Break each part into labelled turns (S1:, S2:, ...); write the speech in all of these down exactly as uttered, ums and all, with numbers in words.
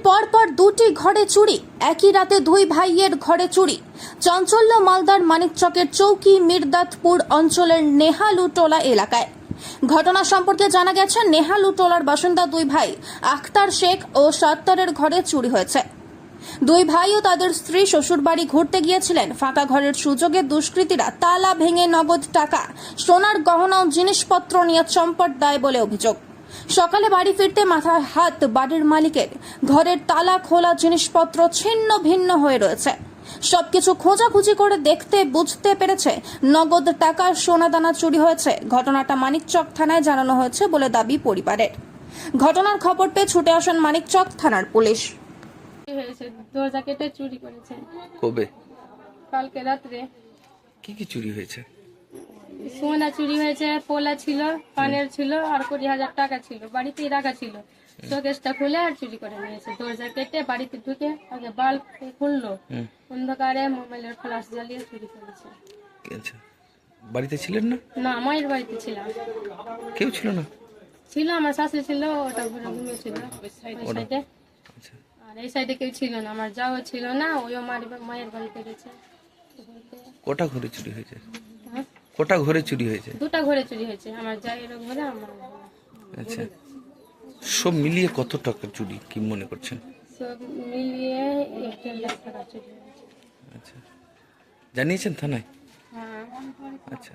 S1: পরপর দুটি ঘরে চুরি, একই রাতে দুই ভাইয়ের ঘরে চুরি। চাঞ্চল্য মালদার মানিকচকের চৌকি মির্দাতপুর অঞ্চলের নেহালুটোলা এলাকায়। ঘটনা সম্পর্কে জানা গেছে, নেহালুটোলার বাসিন্দা দুই ভাই আখতার শেখ ও সত্তরের ঘরে চুরি হয়েছে। দুই ভাই ও তাদের স্ত্রী শ্বশুরবাড়ি ঘুরতে গিয়েছিলেন। ফাঁকা ঘরের সুযোগে দুষ্কৃতীরা তালা ভেঙে নগদ টাকা, সোনার গহনা ও জিনিসপত্র নিয়ে চম্পট দেয় বলে অভিযোগ। সকালে বাড়ি ফিরতে মাথায় হাত বাড়ির মালিকের। ঘরের তালা খোলা, জিনিসপত্র ছিন্ন ভিন্ন হয়ে রয়েছে। সবকিছু খোঁজাখুঁজি করে দেখতে বুঝতে পেরেছে নগদ টাকা, সোনা দানা চুরি হয়েছে। ঘটনাটা মানিকচক থানায় জানানো হয়েছে বলে দাবি পরিবারের। ঘটনার খবর পেয়ে ছুটে আসেন মানিকচক থানার পুলিশ।
S2: হয়েছে দরজা কেটে চুরি করেছে।
S3: কবে?
S2: কালকে রাত্রে।
S3: কি কি চুরি হয়েছে?
S2: সোনা চুরি হয়েছে, পোলা ছিল, পানের ছিল, আর কুড়ি হাজার টাকা ছিল, বাড়িতেই রাখা ছিল। শোকেসটা খুলে আর চুরি করে নিয়েছে। দরজা কেটে বাড়িতে ঢুকে আগে বাল্ব খুললো, অন্ধকারে মোবাইলের ফ্ল্যাশ জ্বালিয়ে চুরি করেছে।
S3: আচ্ছা, বাড়িতে ছিলেন না?
S2: না, মায়ের বাড়িতে ছিলাম।
S3: কেউ ছিল না?
S2: ছিল, আমার শাশুড়ি ছিল, ওটা ঘুরে ঘুমিয়েছিল সাইডে সাইডে।
S3: আচ্ছা,
S2: আর এই সাইডে কেউ ছিল না, আমার যাও ছিল না, ওইও মায়ের বাড়িতে গেছে।
S3: কটা ঘরে চুরি হয়েছে?
S2: হ্যাঁ,
S3: কটা ঘরে চুরি হয়েছে?
S2: দুটা ঘরে চুরি হয়েছে, আমার জায়ের ঘরে, আমার।
S3: আচ্ছা, সব মিলিয়ে কত টাকা চুরি কি মনে করছেন?
S2: সব মিলিয়ে এক দেড় লাখ টাকা চুরি হয়েছে।
S3: আচ্ছা, জানিয়েছেন থানায়?
S2: হ্যাঁ।
S3: আচ্ছা,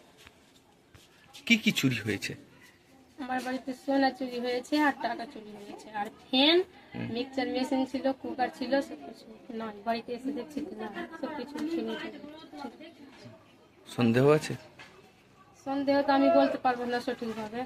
S3: কি কি চুরি হয়েছে?
S2: আমার বাড়িতে সোনা চুরি হয়েছে আর টাকা চুরি হয়েছে, আর ফ্যান, মিক্সচার মেশিন ছিল, কুকার ছিল, সবকিছু নয়। বাড়িতে এসে দেখছি না, সবকিছু ছিল।
S3: সন্দেহ আছে?
S2: সন্দেহ তো আমি বলতে পারবো না সঠিকভাবে।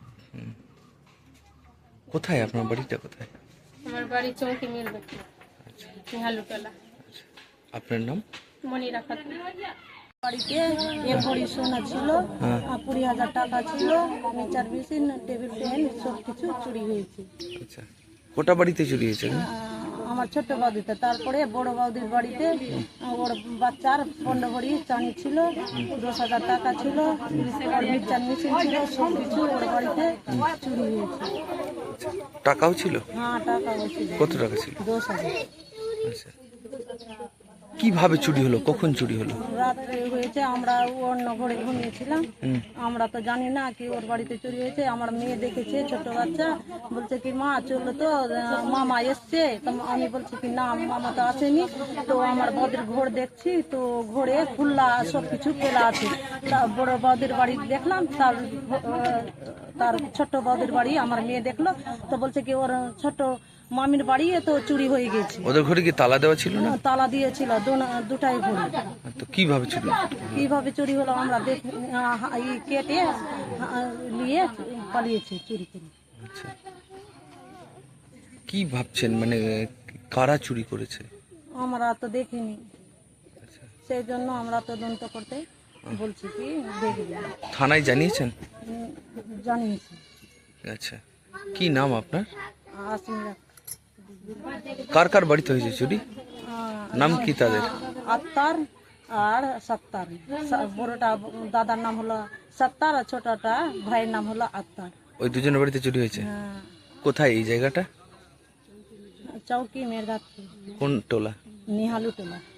S3: কোথায় আপনার বাড়িটা? কোথায়?
S2: আমার বাড়ি চৌকি মির্দাতপুর, নেহালুটোলা।
S3: আপনার নাম?
S2: মনিরা খাতুন।
S4: বাড়িতে এক ভরি সোনা ছিল, আর কুড়ি হাজার টাকা ছিল, মিক্সচার মেশিন, টেবিল ফ্যান, সব কিছু চুরি হয়েছে।
S3: আচ্ছা, কোটা বাড়িতে চুরি হয়েছে?
S4: আহ, আমার ছোট্ট বৌদিতে, তারপরে বড় বৌদির বাড়িতে ওর বাচ্চার পনেরো ভরি চাঁদি ছিল, দশ হাজার টাকা ছিল, ওর মিক্সচার মেশিন ছিল, সব কিছু ওর বাড়িতে চুরি হয়েছে।
S3: টাকাও ছিল?
S4: হ্যাঁ, টাকাও ছিল।
S3: কত টাকা ছিল?
S4: দশ হাজার।
S3: আচ্ছা, কিভাবে চুরি হলো? কখন চুরি হলো?
S4: রাত্রে হয়েছে, আমরা অন্য ঘরে ঘুমিয়েছিলাম, আমরা তো জানি না কি ওর বাড়িতে চুরি হয়েছে। আমার মেয়ে দেখেছে, ছোট বাচ্চা, বলছে কি মা চললো তো, মামা এসছে। তো আমি বলছি কি না, মামা তো আসেনি। তো আমার বৌদির ঘর দেখছি, তো ঘরে খুল্লা সব কিছু খোলা আছে। তা বড় বৌদির বাড়ি দেখলাম, তার তার ছোট্ট বৌদির বাড়ি আমার মেয়ে দেখলো, তো বলছে কি ওর ছোট মামির বাড়ি তো চুরি হয়ে গেছে।
S3: ওদের ঘরে কি তালা দেওয়া ছিল না?
S4: তালা দিয়েছিল দুটাই ঘরে।
S3: তো কিভাবে চুরি?
S4: কিভাবে চুরি হলো আমরা দেখ কেটে নিয়ে পালিয়েছে চুরি করে।
S3: আচ্ছা, কি ভাবছেন, মানে কারা চুরি করেছে?
S4: আমরা তো দেখিনি, সেই জন্য আমরা তদন্ত করতে বলছি কি দেখবে।
S3: থানায় জানিয়েছেন?
S4: জানিয়েছি।
S3: আচ্ছা, কি নাম আপনার?
S4: আসমিরা।
S3: কার কার বাড়িতে হয়েছে চুরি? নাম কি তাদের?
S4: আত্মার আর সত্তার। বড়টা দাদার নাম হলো সত্তার, আর ছোটটা ভাইয়ের নাম হলো আত্মার।
S3: ওই দুজনের বাড়িতে চুরি হয়েছে?
S4: হ্যাঁ।
S3: কোথায় এই জায়গাটা?
S4: চৌকি মির্দাতপুর,
S3: কোন টোলা?
S4: নেহালুটোলা।